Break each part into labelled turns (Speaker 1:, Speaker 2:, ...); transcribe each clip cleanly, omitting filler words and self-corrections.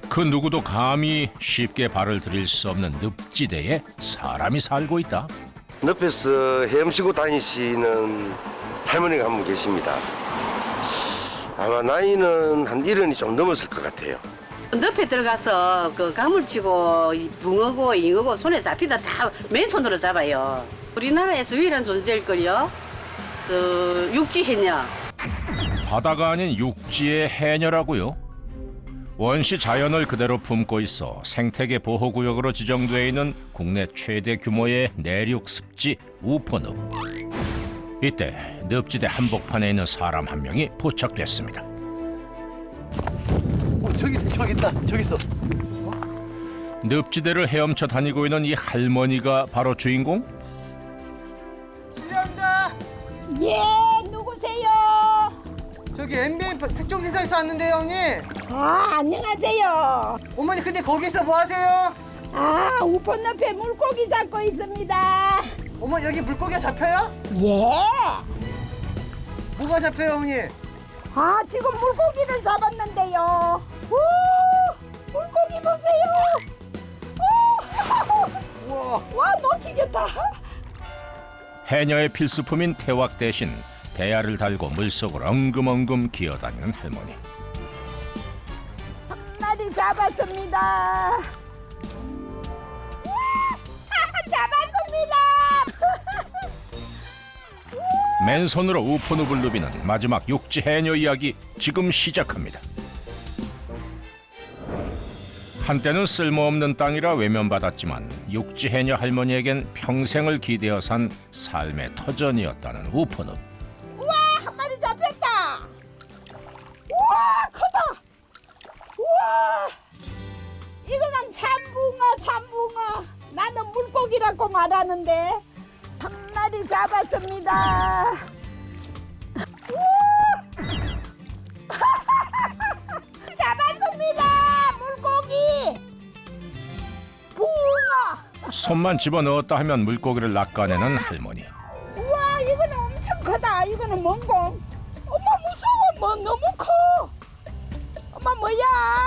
Speaker 1: 그 누구도 감히 쉽게 발을 들일 수 없는 늪지대에 사람이 살고 있다.
Speaker 2: 늪에서 헤엄치고 다니시는 할머니가 한 분 계십니다. 아마 나이는 한 70이 좀 넘었을 것 같아요.
Speaker 3: 늪에 들어가서 그 가물치고 이 붕어고 잉어고 손에 잡히다 다 맨손으로 잡아요. 우리나라에서 유일한 존재일걸요. 저 육지해녀.
Speaker 1: 바다가 아닌 육지의 해녀라고요? 원시 자연을 그대로 품고 있어 생태계 보호구역으로 지정돼 있는 국내 최대 규모의 내륙 습지 우포늪. 이때 늪지대 한복판에 있는 사람 한 명이 포착됐습니다.
Speaker 4: 저기 있다. 저기 있어.
Speaker 1: 늪지대를 헤엄쳐 다니고 있는 이 할머니가 바로 주인공?
Speaker 4: 실례합니다.
Speaker 5: 예, 누구세요?
Speaker 4: 저기 MBN 특종지사에서 왔는데요, 형님.
Speaker 5: 아, 안녕하세요.
Speaker 4: 어머니 근데 거기서 뭐 하세요?
Speaker 5: 아, 우폰 옆에 물고기 잡고 있습니다.
Speaker 4: 어머니 여기 물고기가 잡혀요?
Speaker 5: 예.
Speaker 4: 뭐가 잡혀요, 어머니?
Speaker 5: 아, 지금 물고기를 잡았는데요. 오, 물고기 보세요. 오,
Speaker 4: 우와.
Speaker 5: 와, 놓치겠다.
Speaker 1: 해녀의 필수품인 태왁 대신 대야를 달고 물속을 엉금엉금 기어다니는 할머니.
Speaker 5: 한 마리 잡았습니다. 우와, 잡았습니다.
Speaker 1: 맨손으로 우포늪을 누비는 마지막 육지 해녀 이야기 지금 시작합니다. 한때는 쓸모없는 땅이라 외면받았지만 육지 해녀 할머니에겐 평생을 기대어 산 삶의 터전이었다는 우포늪.
Speaker 5: 우와, 한 마리 잡혔다. 우와, 크다. 우와, 이거는 참붕어. 나는 물고기라고 말하는데 한 마리 잡았습니다. 우와, 잡았습니다. 물고기. 붕어.
Speaker 1: 손만 집어넣었다 하면 물고기를 낚아내는 할머니.
Speaker 5: 우와, 이거는 엄청 크다. 이거는 뭔고? 엄마 무서워. 뭐 너무 커. 엄마 뭐야?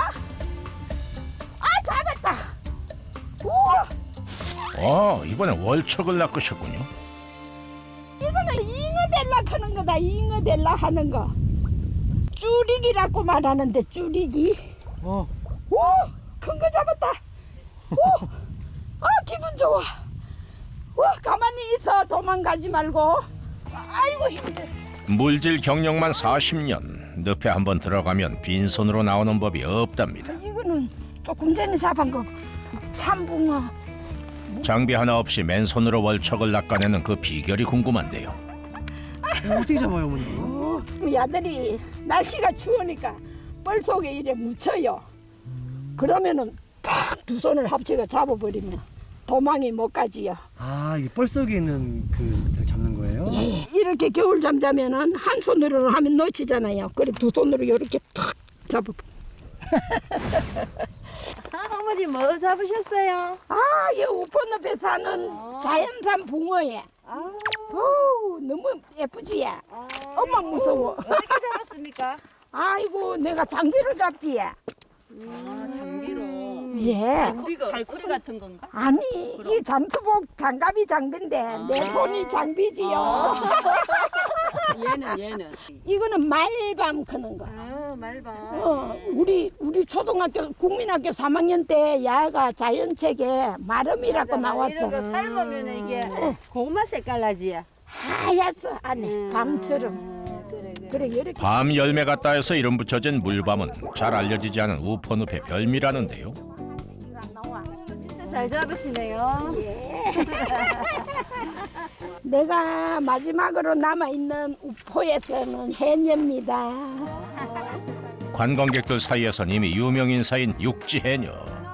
Speaker 5: 아, 잡았다. 우와,
Speaker 1: 이번엔 월척을 낚으셨군요.
Speaker 5: 이거는 잉어델라 하는 거다. 잉어델라 하는 거. 쭈리기라고 말하는데 쭈리기.
Speaker 4: 어.
Speaker 5: 오, 큰 거 잡았다. 오, 아, 기분 좋아. 와, 가만히 있어. 도망가지 말고. 아이고, 힘들.
Speaker 1: 물질 경력만 40년. 늪에 한번 들어가면 빈손으로 나오는 법이 없답니다.
Speaker 5: 이거는 조금 전에 잡은 거. 참붕어.
Speaker 1: 장비 하나 없이 맨손으로 월척을 낚아내는 그 비결이 궁금한데요.
Speaker 4: 어떻게 잡아요, 어머니?
Speaker 5: 우리 아들이 날씨가 추우니까 뻘 속에 이래 묻혀요. 그러면은 탁 두 손을 합쳐서 잡아버리면 도망이 못 가지요.
Speaker 4: 아, 이게 뻘 속에 있는 그 잡는 거예요?
Speaker 5: 예, 이렇게 겨울 잠자면은 한 손으로 하면 놓치잖아요. 그래 두 손으로 이렇게 탁 잡아.
Speaker 6: 어머니 뭐 잡으셨어요?
Speaker 5: 아, 이 우포늪에 사는 자연산 붕어예. 오, 너무 예쁘지? 엄마 무서워.
Speaker 6: 어떻게 잡았습니까?
Speaker 5: 아이고, 내가 장비로 잡지.
Speaker 6: 장비로.
Speaker 5: 예.
Speaker 6: 갈고리 같은 건가?
Speaker 5: 아니, 이 잠수복 장갑이 장비인데 내 손이 장비지요.
Speaker 6: 얘는.
Speaker 5: 이거는 말밤 크는 거.
Speaker 6: 말봐.
Speaker 5: 우리 초등학교 국민학교 3학년 때 야가 자연책에 마름이라고 나왔어.
Speaker 6: 이런 거 삶으면 이게 고구마 색깔 나지.
Speaker 5: 하얗어 안에 밤처럼. 그래 이렇게.
Speaker 1: 밤 열매 같다 해서 이름 붙여진 물밤은 잘 알려지지 않은 우포늪의 별미라는데요.
Speaker 5: 이거 안 나와.
Speaker 6: 진짜 잘 잡으시네요.
Speaker 5: 내가 마지막으로 남아 있는 우포에서는 해녀입니다.
Speaker 1: 관광객들 사이에선 이미 유명 인사인 육지 해녀.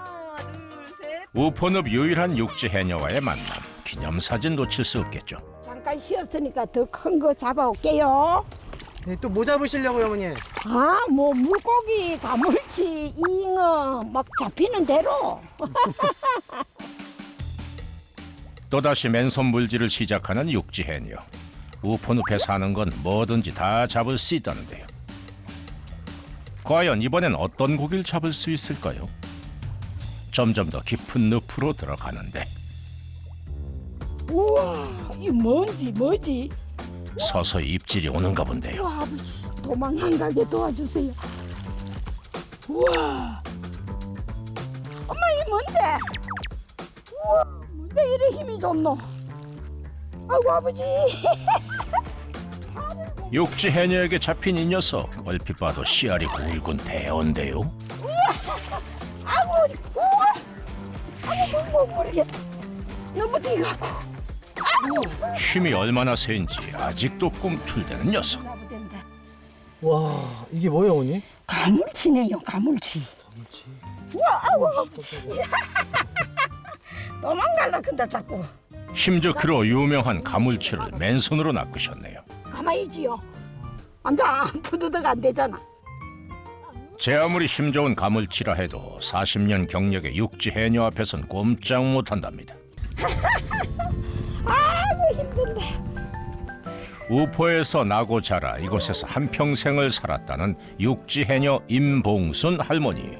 Speaker 1: 우포늪 유일한 육지 해녀와의 만남. 기념사진 놓칠 수 없겠죠.
Speaker 5: 잠깐 쉬었으니까 더 큰 거 잡아올게요.
Speaker 4: 네, 또 뭐 잡으시려고요, 어머니?
Speaker 5: 아, 뭐 물고기, 가물치, 잉어 막 잡히는 대로.
Speaker 1: 또다시 맨손 물질을 시작하는 육지 해녀. 우포늪에 사는 건 뭐든지 다 잡을 수 있다는데요. 과연 이번엔 어떤 고기를 잡을 수 있을까요? 점점 더 깊은 늪으로 들어가는데
Speaker 5: 우와, 이 뭐지?
Speaker 1: 서서히 입질이 오는가 본데요.
Speaker 5: 우와, 아버지 도망 안 가게 도와주세요. 우와, 엄마 이 뭔데? 우와, 뭔데 이래 힘이 좋노? 아이고 아버지.
Speaker 1: 육지 해녀에게 잡힌 이 녀석, 얼핏 봐도 씨알이 굵은 대어인데요.
Speaker 5: 아이고 우와, 아이고 뭐 모르겠다. 너무 뛰갖고.
Speaker 1: 힘이 얼마나 센지 아직도 꿈틀대는 녀석.
Speaker 4: 와, 이게 뭐예요, 어머니?
Speaker 5: 가물치네요, 가물치. 우와, 아이고 아버지. 도망갈라 근데 자꾸.
Speaker 1: 힘 좋기로 유명한 가물치를 맨손으로 낚으셨네요.
Speaker 5: 가만히 있지요. 앉아, 푸드득 안 되잖아.
Speaker 1: 제 아무리 힘 좋은 가물치라 해도 40년 경력의 육지 해녀 앞에선 꼼짝 못한답니다.
Speaker 5: 아이고 힘든데.
Speaker 1: 우포에서 나고 자라 이곳에서 한평생을 살았다는 육지 해녀 임봉순 할머니.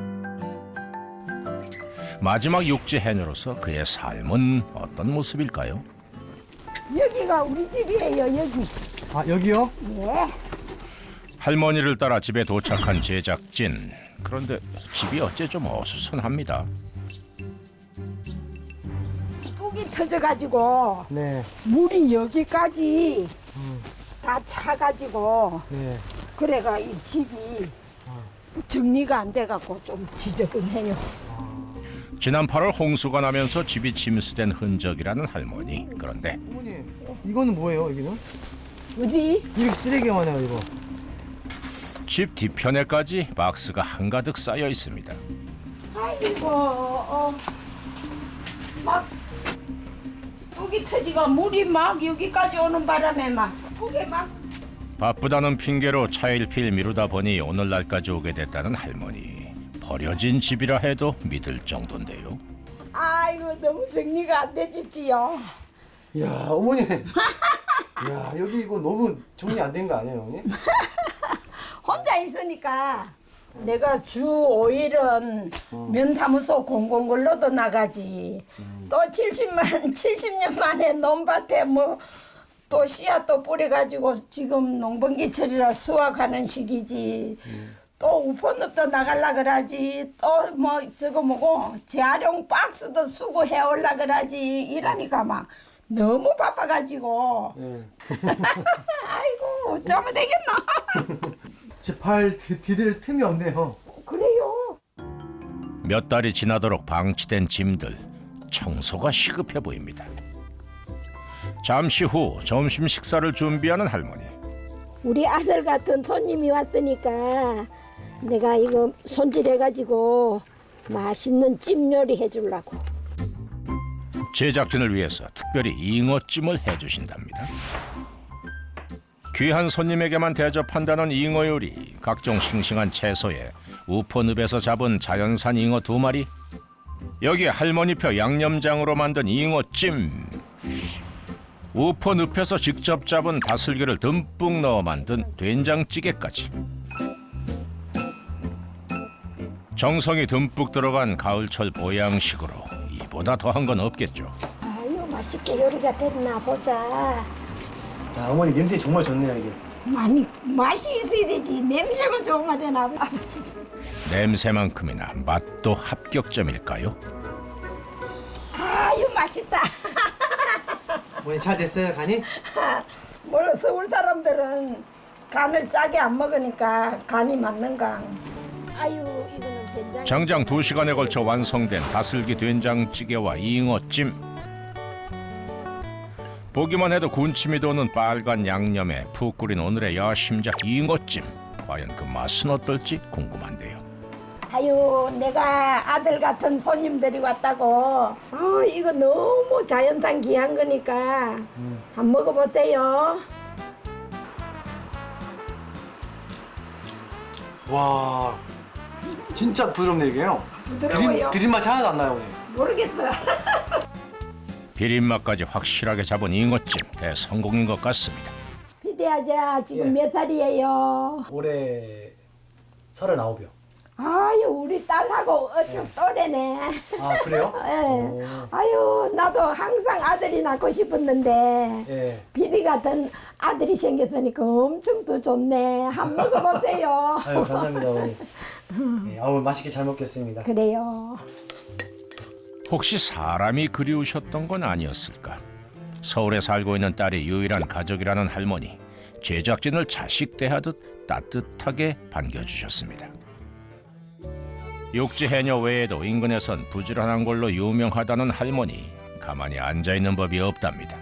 Speaker 1: 마지막 육지 해녀로서 그의 삶은 어떤 모습일까요?
Speaker 5: 여기가 우리 집이에요, 여기.
Speaker 4: 아, 여기요?
Speaker 5: 예.
Speaker 1: 할머니를 따라 집에 도착한 제작진. 그런데 집이 어째 좀 어수선합니다.
Speaker 5: 뚝이 터져가지고
Speaker 4: 네.
Speaker 5: 물이 여기까지 다 차가지고
Speaker 4: 네.
Speaker 5: 그래가 이 집이 정리가 안 돼갖고 좀 지저분해요.
Speaker 1: 지난 8월 홍수가 나면서 집이 침수된 흔적이라는 할머니. 그런데
Speaker 4: 어머니, 이거는 뭐예요, 여기는?
Speaker 5: 어디?
Speaker 4: 이렇게 쓰레기만 해요, 이거.
Speaker 1: 집 뒤편에까지 박스가 한가득 쌓여 있습니다.
Speaker 5: 아이고, 막 뚝이 터지고 물이 막 여기까지 오는 바람에 막 뚝에 막.
Speaker 1: 바쁘다는 핑계로 차일피일 미루다 보니 오늘날까지 오게 됐다는 할머니. 버려진 집이라 해도 믿을 정도인데요.
Speaker 5: 아이고 너무 정리가 안 돼주지요.
Speaker 4: 야, 어머니. 야, 여기 이거 너무 정리 안 된 거 아니에요, 어머니?
Speaker 5: 혼자 있으니까 내가 주 5일은 면사무소 공공근로도 나가지. 또 70년 만에 논밭에 뭐 또 씨앗도 뿌려가지고 지금 농번기철이라 수확하는 시기지. 또 우포늪도 나갈라 그러지. 또 뭐 저거 뭐고 재활용 박스도 수거해 올라 그러지. 이러니까 막 너무 바빠가지고. 아이고 어쩌면 되겠나.
Speaker 4: 집팔 디딜 틈이 없네요.
Speaker 5: 그래요.
Speaker 1: 몇 달이 지나도록 방치된 짐들. 청소가 시급해 보입니다. 잠시 후 점심 식사를 준비하는 할머니.
Speaker 5: 우리 아들 같은 손님이 왔으니까 내가 이거 손질해가지고 맛있는 찜 요리 해주려고.
Speaker 1: 제작진을 위해서 특별히 잉어찜을 해주신답니다. 귀한 손님에게만 대접한다는 잉어 요리. 각종 싱싱한 채소에 우포늪에서 잡은 자연산 잉어 2마리. 여기에 할머니표 양념장으로 만든 잉어찜. 우포늪에서 직접 잡은 다슬기를 듬뿍 넣어 만든 된장찌개까지. 정성이 듬뿍 들어간 가을철 보양식으로 이보다 더한 건 없겠죠.
Speaker 5: 아유 맛있게 요리가 됐나 보자.
Speaker 4: 야, 어머니 냄새 정말 좋네요, 이게.
Speaker 5: 많이 맛이 있어야 되지. 냄새만 좋으면 되나 아버지.
Speaker 1: 냄새만큼이나 맛도 합격점일까요?
Speaker 5: 아유 맛있다.
Speaker 4: 어머니 잘 됐어요, 간이?
Speaker 5: 물론 서울 사람들은 간을 짜게 안 먹으니까 간이 맞는가. 아유 이거는 된장.
Speaker 1: 장장 2시간에 걸쳐 완성된 다슬기 된장찌개와 잉어찜. 보기만 해도 군침이 도는 빨간 양념에 푹 끓인 오늘의 야심작 잉어찜. 과연 그 맛은 어떨지 궁금한데요.
Speaker 5: 아유 내가 아들 같은 손님들이 왔다고. 이거 너무 자연산 귀한 거니까 한 먹어보세요.
Speaker 4: 와, 진짜 부드럽네, 이게요.
Speaker 5: 부드러워요?
Speaker 4: 비린 맛이 하나도 안 나요, 어머니.
Speaker 5: 모르겠어.
Speaker 1: 비린맛까지 확실하게 잡은 잉어찜 대성공인 것 같습니다.
Speaker 5: 피디아자 지금 몇 살이에요?
Speaker 4: 올해 39이요.
Speaker 5: 아유 우리 딸하고 어쩜 또래네.
Speaker 4: 아 그래요?
Speaker 5: 예. 아유 나도 항상 아들이 낳고 싶었는데
Speaker 4: 예.
Speaker 5: 비리 같은 아들이 생겼으니까 엄청 더 좋네. 한번 먹어보세요.
Speaker 4: 아유 감사합니다 어머니. 예, 아우 맛있게 잘 먹겠습니다.
Speaker 5: 그래요.
Speaker 1: 혹시 사람이 그리우셨던 건 아니었을까? 서울에 살고 있는 딸이 유일한 가족이라는 할머니. 제작진을 자식 대하듯 따뜻하게 반겨주셨습니다. 육지 해녀 외에도 인근에선 부지런한 걸로 유명하다는 할머니. 가만히 앉아있는 법이 없답니다.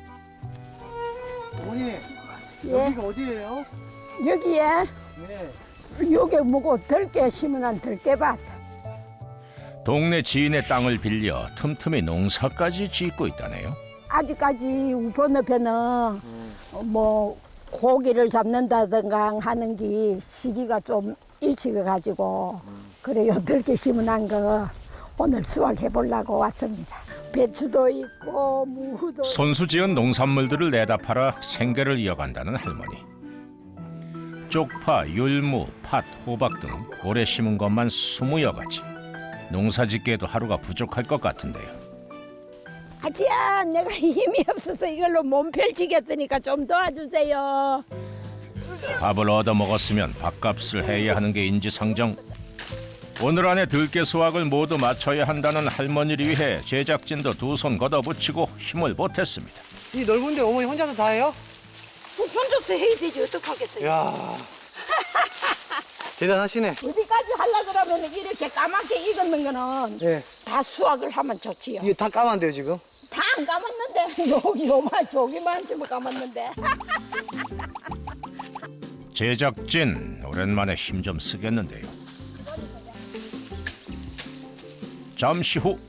Speaker 4: 어머니
Speaker 5: 예.
Speaker 4: 여기가 어디예요?
Speaker 5: 여기에
Speaker 4: 네.
Speaker 5: 요게 뭐고 들깨 심은한 들깨밭.
Speaker 1: 동네 지인의 땅을 빌려 틈틈이 농사까지 짓고 있다네요.
Speaker 5: 아직까지 우편업에는 뭐 고기를 잡는다든가 하는 게 시기가 좀 일찍 가지고 그래요. 들깨 심은한 거 오늘 수확해 보려고 왔습니다. 배추도 있고 무도
Speaker 1: 손수지은 농산물들을 내다 팔아 생계를 이어간다는 할머니. 쪽파, 율무, 팥, 호박 등 올해 심은 것만 20여 가지. 농사짓기에도 하루가 부족할 것 같은데요.
Speaker 5: 아지야 내가 힘이 없어서 이걸로 몸 펼치겠으니까 좀 도와주세요.
Speaker 1: 밥을 얻어 먹었으면 밥값을 해야 하는 게 인지상정. 오늘 안에 들깨 수확을 모두 마쳐야 한다는 할머니를 위해 제작진도 두 손 걷어붙이고 힘을 보탰습니다.
Speaker 4: 이 넓은데 어머니 혼자서 다 해요?
Speaker 5: 혼자서 해야 되지 어떡하겠어요.
Speaker 4: 야 대단하시네.
Speaker 5: 어디까지 하려고 그러면 이렇게 까맣게 익었는 거는
Speaker 4: 예.
Speaker 5: 다 수확을 하면 좋지요.
Speaker 4: 이게 다 까만데요 지금?
Speaker 5: 다 안 감았는데 여기 요만 저기만 좀 감았는데.
Speaker 1: 제작진 오랜만에 힘 좀 쓰겠는데요. 잠시 후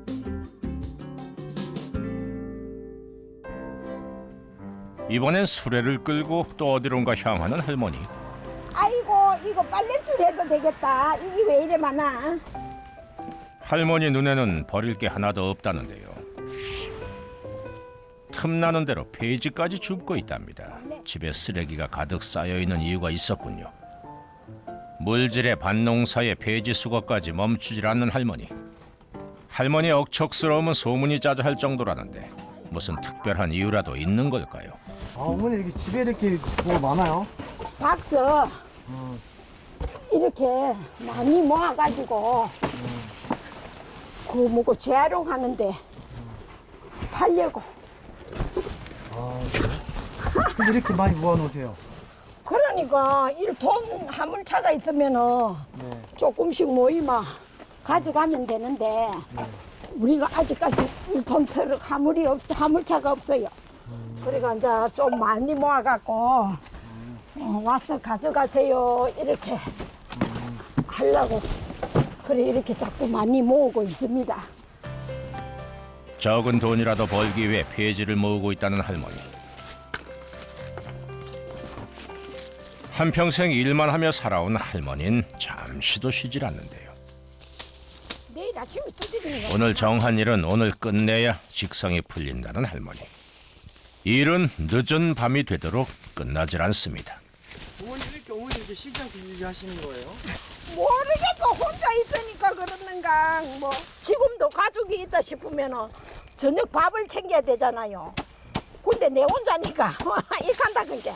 Speaker 1: 이번엔 수레를 끌고 또 어디론가 향하는 할머니.
Speaker 5: 아이고 이거 빨래줄 해도 되겠다. 이게 왜 이래 많아?
Speaker 1: 할머니 눈에는 버릴 게 하나도 없다는데요. 틈나는 대로 폐지까지 줍고 있답니다. 집에 쓰레기가 가득 쌓여있는 이유가 있었군요. 물질의 밭농사의 폐지 수거까지 멈추질 않는 할머니. 할머니의 억척스러움은 소문이 자자할 정도라는데 무슨 특별한 이유라도 있는 걸까요?
Speaker 4: 아 어머니 이렇게 집에 이렇게 뭐 많아요?
Speaker 5: 박스 이렇게 많이 모아가지고 그 뭐고 재활용하는데 팔려고.
Speaker 4: 아 그래? 근데 이렇게 많이 모아놓으세요?
Speaker 5: 그러니까 이 돈 화물차가 있으면은
Speaker 4: 네.
Speaker 5: 조금씩 모이면 가져가면 되는데 우리가 아직까지 1톤 트럭 화물차가 없어요. 그러니까 이제 좀 많이 모아갖고 와서 가져가세요 이렇게 하려고 그래 이렇게 자꾸 많이 모으고 있습니다.
Speaker 1: 적은 돈이라도 벌기 위해 폐지를 모으고 있다는 할머니. 한평생 일만 하며 살아온 할머니는 잠시도 쉬질 않는데요.
Speaker 5: 내일 아침에 두드리는 거.
Speaker 1: 오늘 정한 일은 오늘 끝내야 직성이 풀린다는 할머니. 일은 늦은 밤이 되도록 끝나질 않습니다.
Speaker 4: 어머니 이렇게 쉬지 않고 일하시는 거예요?
Speaker 5: 모르겠고 혼자 있으니까 그러는가. 뭐 지금도 가족이 있다 싶으면은 저녁 밥을 챙겨야 되잖아요. 근데 내 혼자니까 이간다 그게.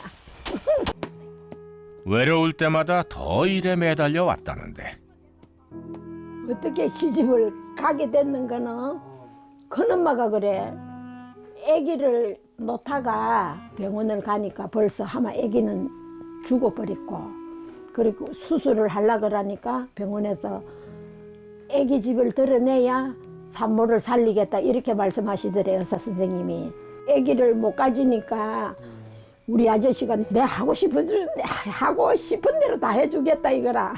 Speaker 1: 외로울 때마다 더 일에 매달려 왔다는데
Speaker 5: 어떻게 시집을 가게 됐는 거는 큰엄마가 그래. 아기를 놓다가 병원을 가니까 벌써 아마 아기는 죽어버렸고 그리고 수술을 하려고 그러니까 병원에서 아기 집을 드러내야 산모를 살리겠다 이렇게 말씀하시더래요 의사 선생님이. 아기를 못 가지니까 우리 아저씨가 내 하고 싶은 대로 다 해주겠다 이거라.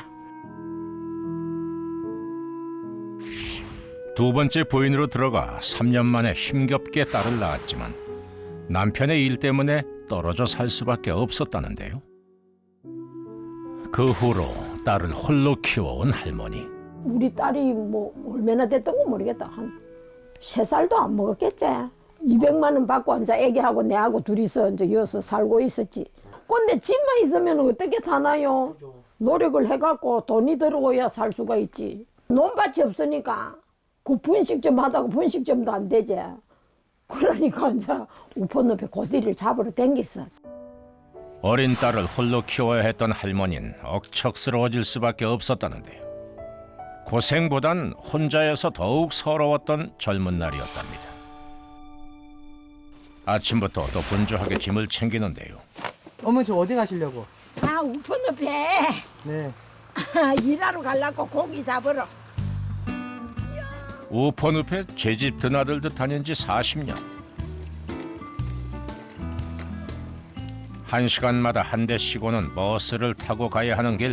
Speaker 1: 두 번째 부인으로 들어가 3년 만에 힘겹게 딸을 낳았지만 남편의 일 때문에 떨어져 살 수밖에 없었다는데요. 그 후로 딸을 홀로 키워온 할머니.
Speaker 5: 우리 딸이 뭐 얼마나 됐던 거 모르겠다. 한 3살도 안 먹었겠지. 200만 원 받고 이제 애기하고 내하고 둘이서 이제 여기서 살고 있었지. 근데 집만 있으면 어떻게 사나요? 노력을 해갖고 돈이 들어오야 살 수가 있지. 논밭이 없으니까 그 분식점 하다가 분식점도 안 되지. 그러니까 이제 우편업에 고디를 잡으러 댕겼어.
Speaker 1: 어린 딸을 홀로 키워야 했던 할머니는 억척스러워질 수밖에 없었다는데요. 고생보단 혼자여서 더욱 서러웠던 젊은 날이었답니다. 아침부터 또 분주하게 짐을 챙기는데요.
Speaker 4: 어머니 저 어디 가시려고?
Speaker 5: 아, 우편업에
Speaker 4: 네.
Speaker 5: 일하러 가려고 고기 잡으러.
Speaker 1: 우폰읍에 제집 드나들듯 다닌 지 40년. 한 시간마다 한 대 쉬고는 버스를 타고 가야 하는 길.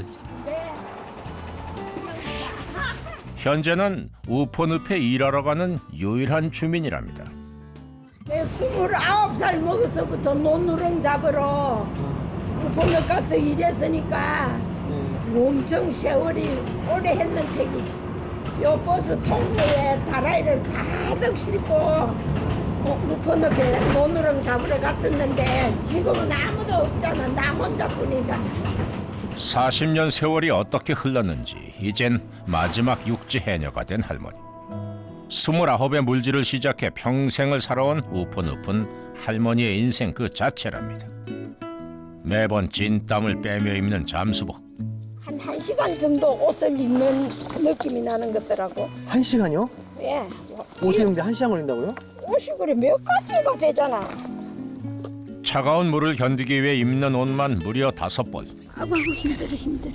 Speaker 1: 현재는 우폰읍에 일하러 가는 유일한 주민이랍니다.
Speaker 5: 내 29살 먹어서부터 논누렁 잡으러 우편업 가서 일했으니까 엄청 세월이 오래 했는 택이지. 요 버스 통로에 다라이를 가득 싣고 우편업에 논누렁 잡으러 갔었는데 지금은 아무도 없잖아. 나 혼자뿐이잖아.
Speaker 1: 40년 세월이 어떻게 흘렀는지 이젠 마지막 육지 해녀가 된 할머니. 29의 물질을 시작해 평생을 살아온 우푼우푼 할머니의 인생 그 자체랍니다. 매번 진땀을 빼며 입는 잠수복.
Speaker 5: 한 1시간 정도 옷을 입는 느낌이 나는 것더라고.
Speaker 4: 1시간이요?
Speaker 5: 예.
Speaker 4: 옷을 입는데 1시간 걸린다고요?
Speaker 5: 옷이 그래 몇 가지가 되잖아.
Speaker 1: 차가운 물을 견디기 위해 입는 옷만 무려 5벌.
Speaker 5: 아이고 힘들어.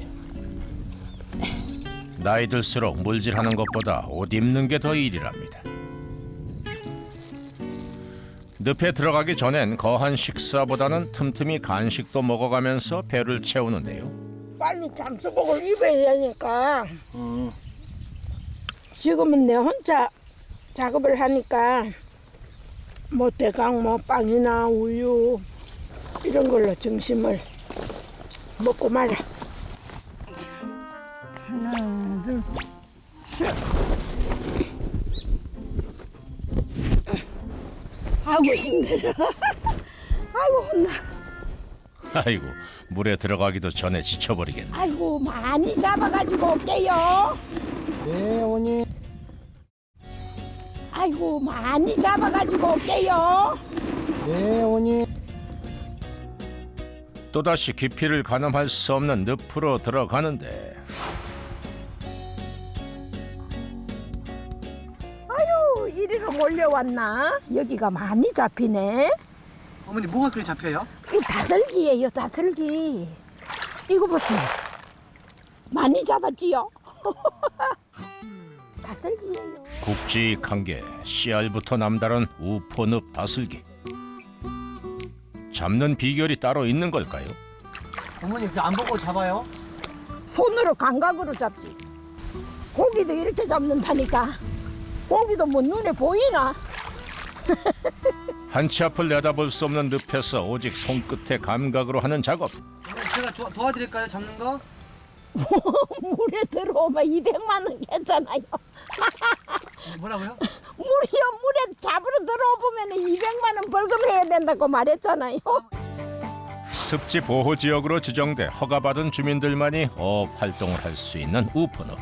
Speaker 1: 나이 들수록 물질하는 것보다 옷 입는 게 더 일이랍니다. 늪에 들어가기 전엔 거한 식사보다는 틈틈이 간식도 먹어가면서 배를 채우는데요.
Speaker 5: 빨리 잠수복을 입어야 되니까 지금은 내 혼자 작업을 하니까 뭐 대강 뭐 빵이나 우유 이런 걸로 점심을 먹고 말아. 하나 둘 셋. 아이고 힘들어. 아이고 혼나.
Speaker 1: 아이고, 물에 들어가기도 전에 지쳐버리겠네.
Speaker 5: 아이고 많이 잡아가지고 올게요.
Speaker 4: 네 어머니.
Speaker 5: 아이고 많이 잡아가지고 올게요.
Speaker 4: 네 어머니.
Speaker 1: 또다시 깊이를 가늠할 수 없는 늪으로 들어가는데
Speaker 5: 아유 이리로 몰려왔나? 여기가 많이 잡히네.
Speaker 4: 어머니 뭐가 그리 잡혀요?
Speaker 5: 이 다슬기예요, 다슬기. 이거 보세요. 많이 잡았지요? 다슬기예요.
Speaker 1: 굵직한 게 씨알부터 남다른 우포늪 다슬기. 잡는 비결이 따로 있는 걸까요?
Speaker 4: 어머니 안 보고 잡아요?
Speaker 5: 손으로 감각으로 잡지. 고기도 이렇게 잡는다니까. 고기도 뭐 눈에 보이나?
Speaker 1: 한치 앞을 내다볼 수 없는 늪에서 오직 손끝의 감각으로 하는 작업.
Speaker 4: 제가 도와드릴까요 잡는 거?
Speaker 5: 물에 들어오면 200만 원 했잖아요.
Speaker 4: 뭐라고요?
Speaker 5: 물에 잡으러 들어오면 200만 원 벌금해야 된다고 말했잖아요.
Speaker 1: 습지 보호 지역으로 지정돼 허가받은 주민들만이 어업 활동을 할 수 있는 우포늪.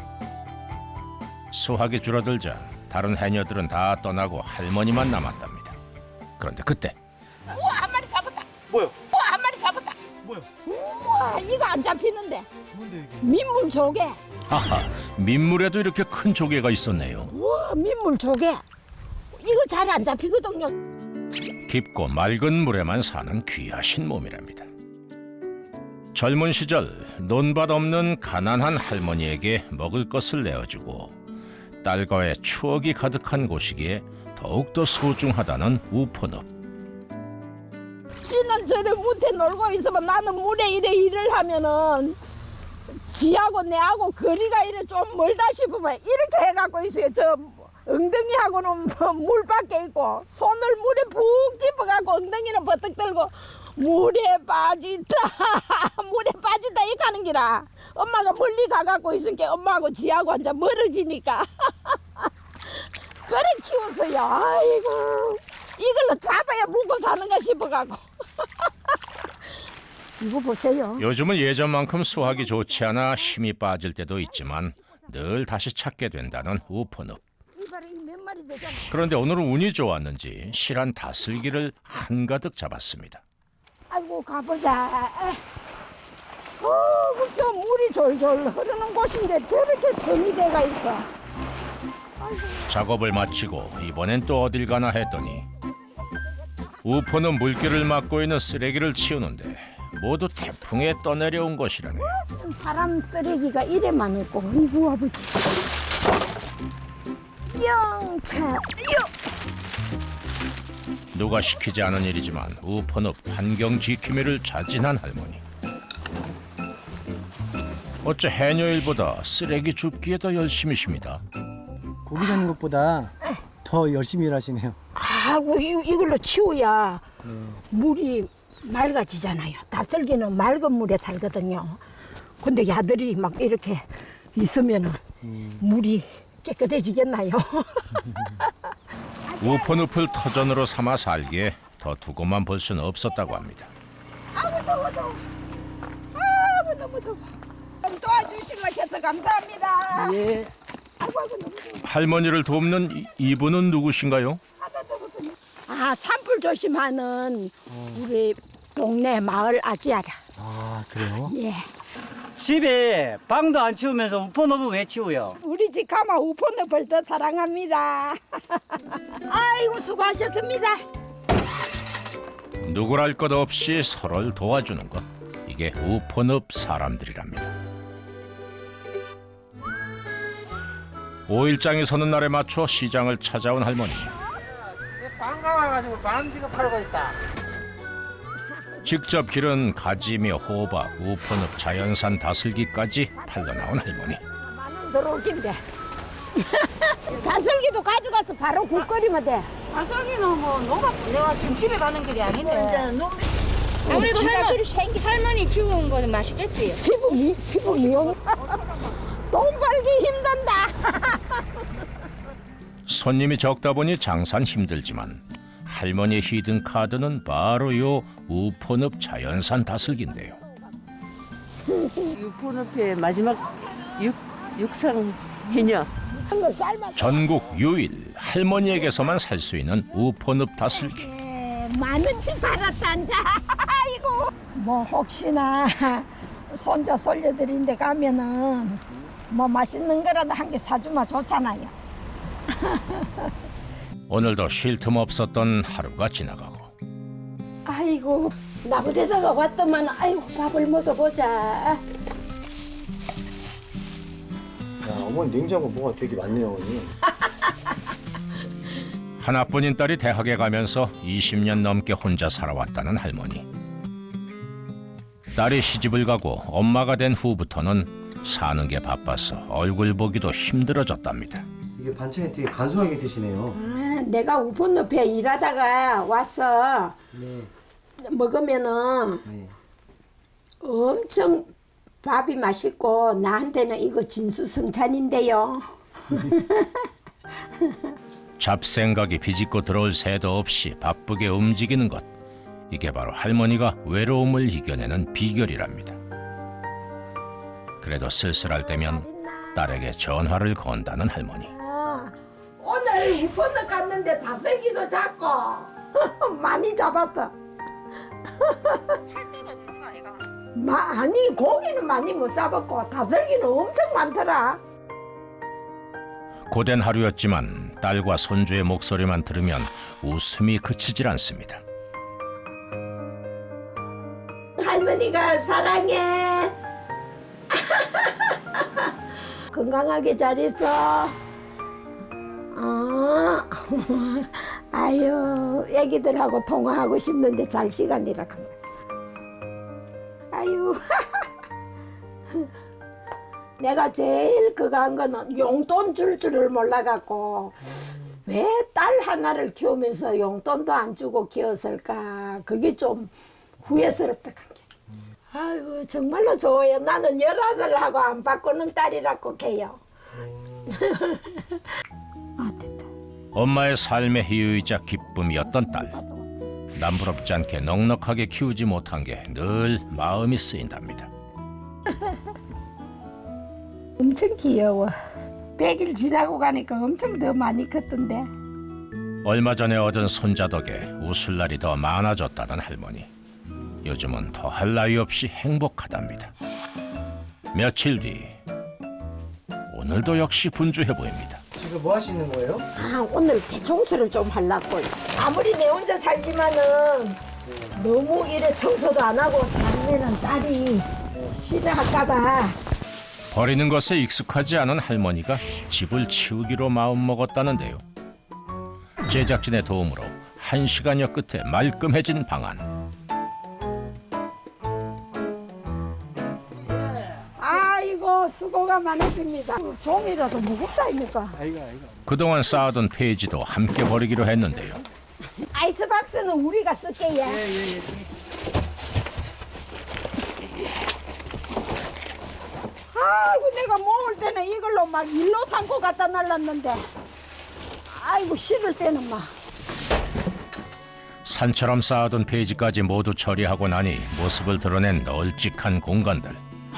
Speaker 1: 수확이 줄어들자 다른 해녀들은 다 떠나고 할머니만 남았답니다. 그런데 그때
Speaker 5: 우와 한 마리 잡았다.
Speaker 4: 뭐요?
Speaker 5: 우와 한 마리 잡았다.
Speaker 4: 뭐요?
Speaker 5: 우와 이거 안 잡히는데.
Speaker 4: 뭔데 이게?
Speaker 5: 민물 조개.
Speaker 1: 아하, 민물에도 이렇게 큰 조개가 있었네요.
Speaker 5: 우와 민물 조개. 이거 잘 안 잡히거든요.
Speaker 1: 깊고 맑은 물에만 사는 귀하신 몸이랍니다. 젊은 시절 논밭 없는 가난한 할머니에게 먹을 것을 내어주고 딸과의 추억이 가득한 곳이기에 더욱더 소중하다는 우포늪.
Speaker 5: 지는 저래 못해 놀고 있으면 나는 물에 이래 일을 하면은 지하고 내하고 거리가 이래 좀 멀다 싶으면 이렇게 해갖고 있어요. 저 엉덩이하고는 물 밖에 있고 손을 물에 푹 짚어갖고 엉덩이는 버뜩 들고 물에 빠지다 물에 빠지다 이렇게 하는 기라. 엄마가 멀리 가갖고 있으니까 엄마하고 지하고 완전 멀어지니까 그래 키웠어요. 아이고 이걸로 잡아야 먹고 사는가 싶어갖고 이거 보세요.
Speaker 1: 요즘은 예전만큼 수확이 좋지 않아 힘이 빠질 때도 있지만 늘 다시 찾게 된다는 우포늪.
Speaker 5: 이봐라, 이몇 마리 되잖아.
Speaker 1: 그런데 오늘은 운이 좋았는지 실한 다슬기를 한가득 잡았습니다.
Speaker 5: 아이고, 가보자. 저 물이 졸졸 흐르는 곳인데 저렇게 섬이 돼가 있어.
Speaker 1: 작업을 마치고 이번엔 또 어딜 가나 했더니 우포는 물길을 막고 있는 쓰레기를 치우는데 모두 태풍에 떠내려온 것이라네요.
Speaker 5: 사람 쓰레기가 이래 많고, 이거 아버지. 영차,
Speaker 1: 누가 시키지 않은 일이지만 우포늪 환경 지킴이를 자진한 할머니. 어째 해녀일보다 쓰레기 줍기에 더 열심이십니다.
Speaker 4: 고기 잡는 것보다 더 열심히 일하시네요.
Speaker 5: 아이고, 이걸로 치워야 물이 맑아지잖아요. 다슬기는 맑은 물에 살거든요. 근데 야들이 막 이렇게 있으면은 물이 깨끗해지겠나요?
Speaker 1: 우포늪을 터전으로 삼아 살기에 더 두고만 볼 수는 없었다고 합니다.
Speaker 5: 아이고, 더워. 아이고, 너무 더워. 도와주시면 해서 감사합니다.
Speaker 6: 예.
Speaker 5: 아이고, 너무 더워.
Speaker 1: 할머니를 돕는 이분은 누구신가요?
Speaker 5: 아, 산불 조심하는 우리 동네 마을 아지아라.
Speaker 4: 아, 그래요?
Speaker 5: 예.
Speaker 7: 집에 방도 안 치우면서 우포늪은 왜 치우요?
Speaker 5: 우리 집 가마 우포늪을 더 사랑합니다. 아이고, 수고하셨습니다.
Speaker 1: 누구랄 것 없이 서로를 도와주는 것. 이게 우포늪 사람들이랍니다. 5일장이 서는 날에 맞춰 시장을 찾아온 할머니.
Speaker 7: 방가 와가지고 반지가 팔고 있다.
Speaker 1: 직접 기른 가지며 호박, 우포늪, 자연산 다슬기까지 팔러 나온 할머니.
Speaker 5: 만원 들어올 긴데. 다슬기도 가져가서 바로 국 끓이면 돼.
Speaker 6: 가성이는 뭐 농가 내가 지금 집에 가는 길이 아닌데. 아무래도 할머니 키우는 거는 맛있겠지.
Speaker 5: 피부 미용. 돈 벌기 힘든다.
Speaker 1: 손님이 적다 보니 장사는 힘들지만 할머니의 히든 카드는 바로 요 우포늪 자연산 다슬기인데요.
Speaker 6: 유포늪의 마지막 육상 해녀.
Speaker 5: 한거 삶아.
Speaker 1: 전국 유일 할머니에게서만 살 수 있는 우포늪 다슬기.
Speaker 5: 만원치 팔았단자. 아이고. 뭐 혹시나 손자 솔려드린 데 가면은 뭐 맛있는 거라도 한 개 사주면 좋잖아요.
Speaker 1: 오늘도 쉴 틈 없었던 하루가 지나가고
Speaker 5: 아이고, 나부대다가 왔더만, 아이고, 밥을 먹어보자.
Speaker 4: 야, 어머니 냉장고 뭐가 되게 많네요, 어머니.
Speaker 1: 하나뿐인 딸이 대학에 가면서 20년 넘게 혼자 살아왔다는 할머니. 딸이 시집을 가고 엄마가 된 후부터는 사는 게 바빠서 얼굴 보기도 힘들어졌답니다.
Speaker 4: 이게 반찬이 되게 간소하게 드시네요.
Speaker 5: 아, 내가 우폰늪에 일하다가 와서
Speaker 4: 네.
Speaker 5: 먹으면은
Speaker 4: 네.
Speaker 5: 엄청 밥이 맛있고 나한테는 이거 진수성찬인데요.
Speaker 1: 잡생각이 비집고 들어올 새도 없이 바쁘게 움직이는 것. 이게 바로 할머니가 외로움을 이겨내는 비결이랍니다. 그래도 쓸쓸할 때면 딸에게 전화를 건다는 할머니.
Speaker 5: 오늘 우폰늪 갔는데 다슬기도 잡고 많이 잡았어. 아니, 고기는 많이 못 잡았고 다슬기는 엄청 많더라.
Speaker 1: 고된 하루였지만 딸과 손주의 목소리만 들으면 웃음이 그치질 않습니다.
Speaker 5: 할머니가 사랑해. 건강하게 잘 있어. 아유, 애기들하고 통화하고 싶는데 잘 시간이라 합니다. 아유. 내가 제일 그거 한 거는 용돈 줄 줄을 몰라갖고 왜 딸 하나를 키우면서 용돈도 안 주고 키웠을까. 그게 좀 후회스럽다. 아이고, 정말로 좋아요. 나는 열아들하고 안 바꾸는 딸이라고 해요. 아, 됐다.
Speaker 1: 엄마의 삶의 희유이자 기쁨이었던 딸. 남부럽지 않게 넉넉하게 키우지 못한 게 늘 마음이 쓰인답니다.
Speaker 5: 엄청 귀여워. 100일 지나고 가니까 엄청 더 많이 컸던데.
Speaker 1: 얼마 전에 얻은 손자 덕에 웃을 날이 더 많아졌다는 할머니. 요즘은 더할 나위 없이 행복하답니다. 며칠 뒤 오늘도 역시 분주해 보입니다.
Speaker 4: 지금 뭐 하시는 거예요?
Speaker 5: 오늘 청소를 좀 하려고. 아무리 내 혼자 살지만은 너무 이래 청소도 안 하고 다니면은 딸이 싫어할까봐.
Speaker 1: 버리는 것에 익숙하지 않은 할머니가 집을 치우기로 마음먹었다는데요. 제작진의 도움으로 1시간여 끝에 말끔해진 방안.
Speaker 5: 아이고 수고가 많으십니다. 종이라도 무겁다 아닙니까?
Speaker 1: 그동안 쌓아둔 페이지도 함께 버리기로 했는데요.
Speaker 5: 아이스박스는 우리가 쓸게요. 아이고 내가 모을 때는 이걸로 막 일로 삼고 갖다 날랐는데 아이고 실을 때는 막
Speaker 1: 산처럼 쌓아둔 페이지까지 모두 처리하고 나니 모습을 드러낸 널찍한 공간들.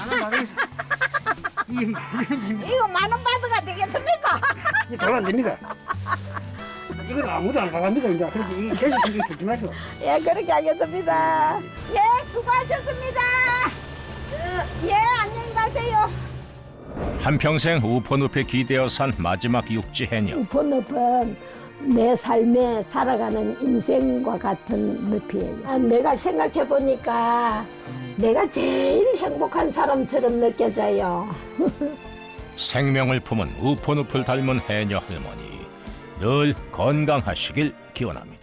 Speaker 5: 이거 10,000원 받아가 되겠습니까?
Speaker 8: 돈 안 됩니다. 이건 아무도 안 가갑니다. 이제 그렇게 이게 계속 이렇게 듣지 마시고.
Speaker 5: 예 그렇게 하겠습니다. 예 수고하셨습니다. 예 안녕히 가세요.
Speaker 1: 한평생 우포늪에 기대어 산 마지막 육지 해녀.
Speaker 5: 우포늪은 내 삶에 살아가는 인생과 같은 늪이에요. 내가 생각해 보니까 내가 제일 행복한 사람처럼 느껴져요.
Speaker 1: 생명을 품은 우포늪을 닮은 해녀 할머니. 늘 건강하시길 기원합니다.